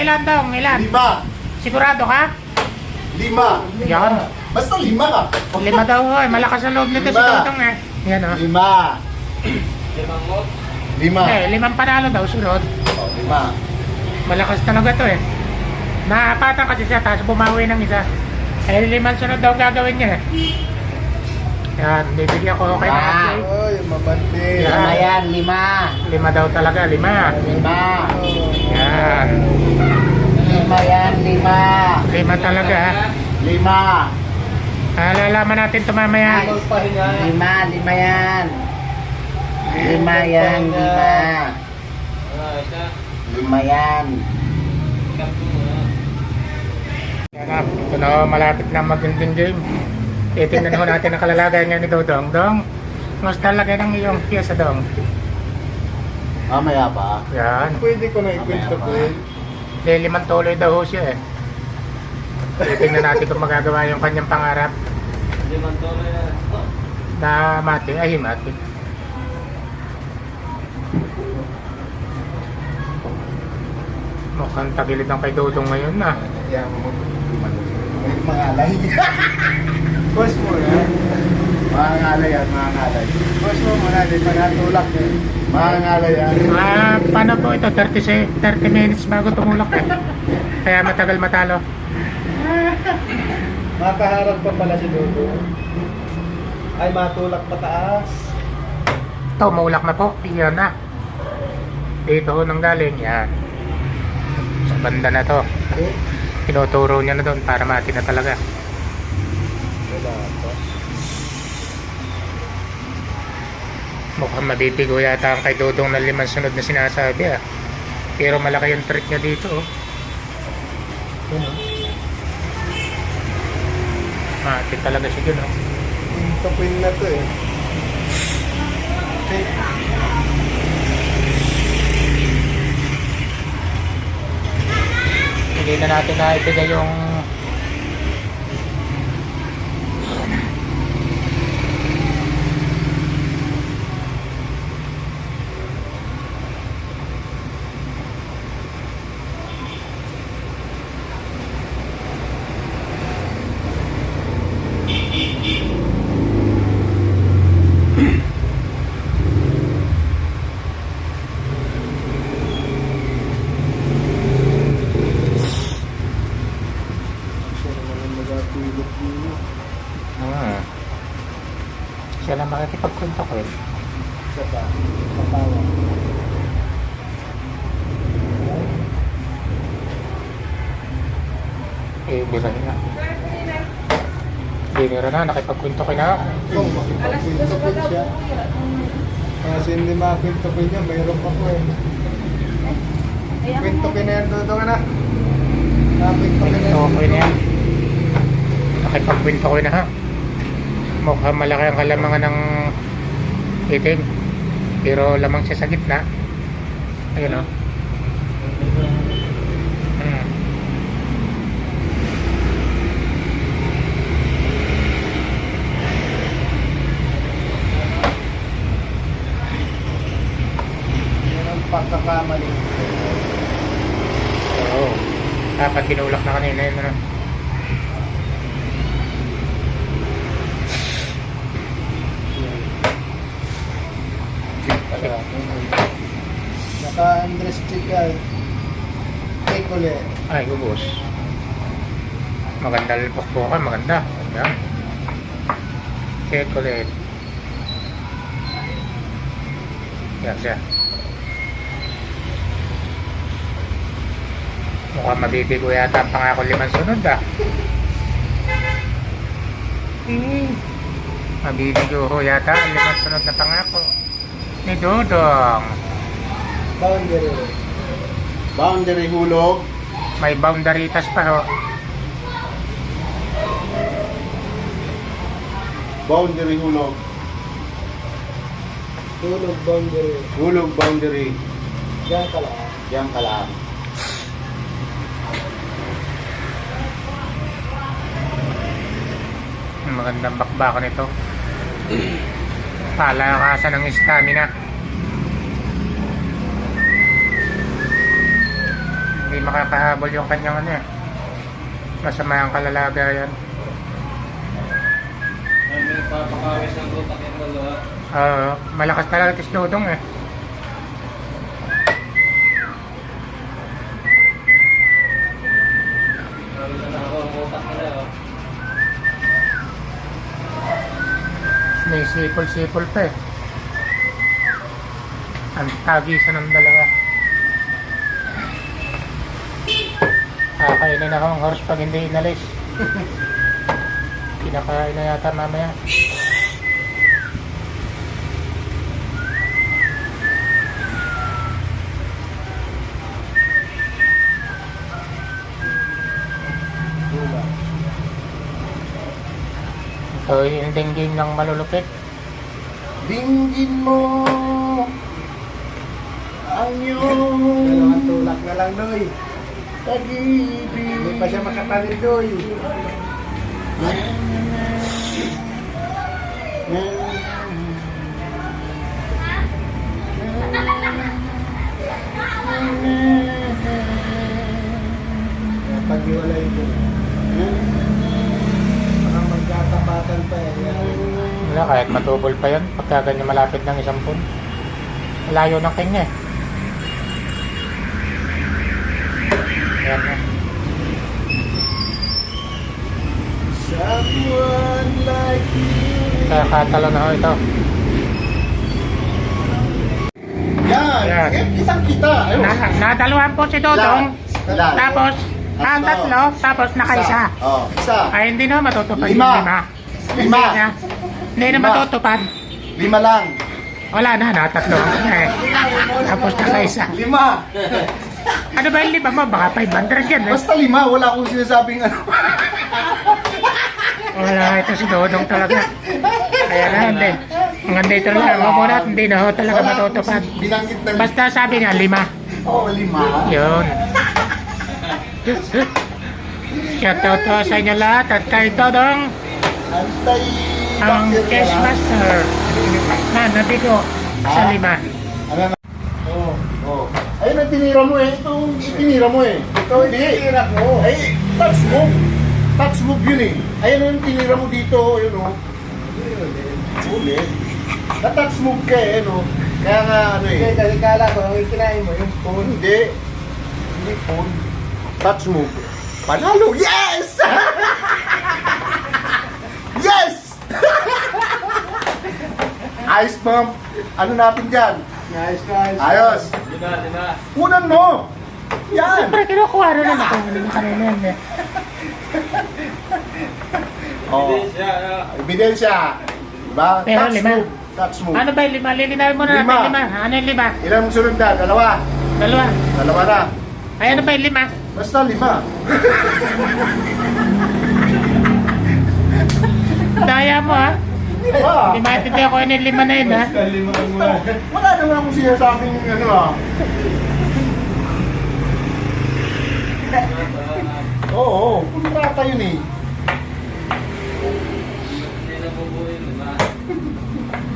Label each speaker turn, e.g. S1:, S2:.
S1: ilan dong? Ilan?
S2: 5.
S1: Sigurado ka?
S2: 5.
S1: Yan.
S2: Basta 5 ka.
S1: 5 daw ho. Malakas ang loob nito si
S2: Lima.
S1: Dodong eh. Yan o.
S2: 5. 5.
S1: Eh, 5 panalo daw sunod.
S2: 5.
S1: Malakas talaga to eh. Napatan kasi siya, tapos bumawi ng isa. Eh, 5 sunod daw gagawin niya eh. Yan, bibigyan ko kay Maki.
S2: Oy, mabante.
S1: Yan.
S3: 5 yan, 5.
S1: 5 daw talaga, 5.
S3: 5.
S1: Yan.
S3: 5 yan, 5.
S1: 5 talaga ha.
S2: 5.
S1: Lalaman natin ito mamaya.
S3: 5 yan. 5 yan, 5. 5 yan.
S1: Yan, ito na malapit na magandang game. Titingnan ho natin ang kalalagay nga ni Dodong. Dong, mas talaga ng iyong piyesa Dong.
S2: Mamaya pa.
S1: Yan.
S2: Pwede ko na ikwento ko yun.
S1: Limang tuloy daw ho siya eh. Titingnan natin kung magagawa yung kanyang pangarap. Na mati, ay mati. Mukhang tagilid ang kay Dodong ngayon na.
S2: Yan, mga alay. Boss mo na. Mga ngalay yan, mga ngalay. Boss mo muna, di pa natulak eh. Mga ngalay yan.
S1: Paano po ito? 30 minutes bago tumulak eh. Kaya matagal matalo.
S2: Makaharap pa pala si Dodo. Ay, matulak pataas.
S1: Ito, maulak na po. Iyan na. Dito ho nang galing. Yan. Sa banda na to.
S2: Okay.
S1: Tinuturo niya na doon para mati na talaga.
S2: Wala pa.
S1: Mukhang mabibigo yata ang kay Dodong na 5 sunod na sinasabi ah. Pero malaki yung trick niya dito oh. Yun oh. Mati talaga siya dun oh.
S2: Tapin na to eh. Okay.
S1: Hindi na natin na ibigay yung
S2: Siya naman ang nagapilot dito.
S1: siya lang makikipagkwento ko eh.
S2: Siya pa. Matawa.
S1: Eh, bira na. Binira na, nakipagkwento ko na.
S2: Kung makipagkwento ko siya. Kasi hindi makakwento ko niya, mayroon pa ko eh. Kwento ko na yan, Dodo ka na. Kwento ko na
S1: Kwento ko na yan. Nakipagkwento ko na ha. Mukhang malaki ang kalamangan ng itim. Pero lamang siya sa gitna. Ayun o.
S2: Yan ang pagkakamali.
S1: Oo. Dapat tinulak na kanina yun ano.
S2: Naka-Andres Chica. Take ulit.
S1: Ay, ubos. Maganda lipok po ka, maganda. Ayan. Check ulit. Yan siya. Mukhang mabibigo yata ang pangako 5 sunod ah. Mabibigo ho yata ang 5 sunod na pangako ni Dodong.
S2: Boundary. Boundary hulog.
S1: May boundaritas pa ho.
S2: Boundary hulog. Hulog boundary. Hulog boundary. Diyan ka lang. Diyan ka lang.
S1: Magandang bakbako nito. Palakasan ng stamina. hindi makakahabol yung kanyang ano eh. Masama ang kalalagayan.
S4: May papakawis ng utak yung dalawa.
S1: Malakas talaga tis Dodong eh.
S4: Lalo na ako ang utak nila. Oh.
S1: May sipol-sipol pa eh. Ang tagisan ng dalawa. Kakainin ako ng horse pag hindi inalis. Kinakain na yata mamaya. Ito yung dinggin ng malulupit.
S2: Dinggin mo ang iyong
S3: Dalawang tulak na lang, Noy.
S2: pag-ibig.
S3: Hindi pa siya makapalit, Noy. Pag-iwalay ko. Baka magkatapatan pa eh.
S1: Wala, kahit matubol pa yan. Pagka ganyan malapit ng 10 pun. Malayo ng king eh. Ayan na.
S2: Someone like you.
S1: Kaya katalo na ho ito.
S2: Yan.
S1: Yan.
S2: Kitang-kita. Ayun.
S1: Nadaluhan po si Dodong.
S2: Ilan?
S1: Tapos, tatlo. Tapos nakaisa.
S2: Oh, isa.
S1: Ay, hindi na matutupad
S2: Lima.
S1: yung 5.
S2: Lima.
S1: Hindi na
S2: Lima.
S1: matutupad.
S2: 5 lang.
S1: Wala na, natatlo. Eh. Tapos nakaisa.
S2: 5.
S1: Ano ba yung 5 mo? Baka 500 yan eh.
S2: Basta 5. Wala akong sinasabing ano.
S1: Wala, ito si Dodong talaga. Kaya na, hindi. Hanggang dito lang. Ako muna, hindi na ho talaga matutupad.
S2: Binanggit na.
S1: Basta sabi niya, 5.
S2: Oo, 5.
S1: Yun. Shoutout to sa inyo lahat at kay Dodong,
S2: Antay.
S1: ang Cash Master na nabigo sa 5.
S2: Ano na? Oo. Oo. Ayun ang tinira mo eh. Ito ang tinira mo eh. Ikaw hindi. Tinira ko. Ay, touch move. Touch move yun eh. Ayun ang tinira mo dito. Ayun o. Ulit. Na-touch move ka eh. Ano? Kaya nga ano eh.
S3: Kasi kasi kala ko, ang ikinain mo yung phone.
S2: Hindi. Hindi phone. Touch move. Panalo. Yes! Yes! Ayos ma'am. Ano natin dyan?
S3: Nice, nice.
S2: Ayos.
S4: Di ba?
S2: Kunan mo. Yan.
S1: Siyempre, kinukuha na lang ako. Hindi na kanina yan eh.
S2: Oh.
S4: Siya,
S2: Ebidensya. Diba?
S1: Pero
S2: Touch
S1: 5.
S2: move. Touch move.
S1: Ano ba yung 5? Lilinawin mo na natin 5. Ano yung 5?
S2: Ilan ang sunod na? Dalawa.
S1: 2.
S2: Dalawa na.
S1: Ay, ano ba yung 5?
S2: Basta 5.
S1: Daya mo ha.
S2: Diba?
S1: Hindi maintindihan ko yun yung 5 na yun ha.
S2: Wala naman akong sinasabing ano ah. Oo, kontrata yun eh.
S4: Hindi na bubuhin, di ba?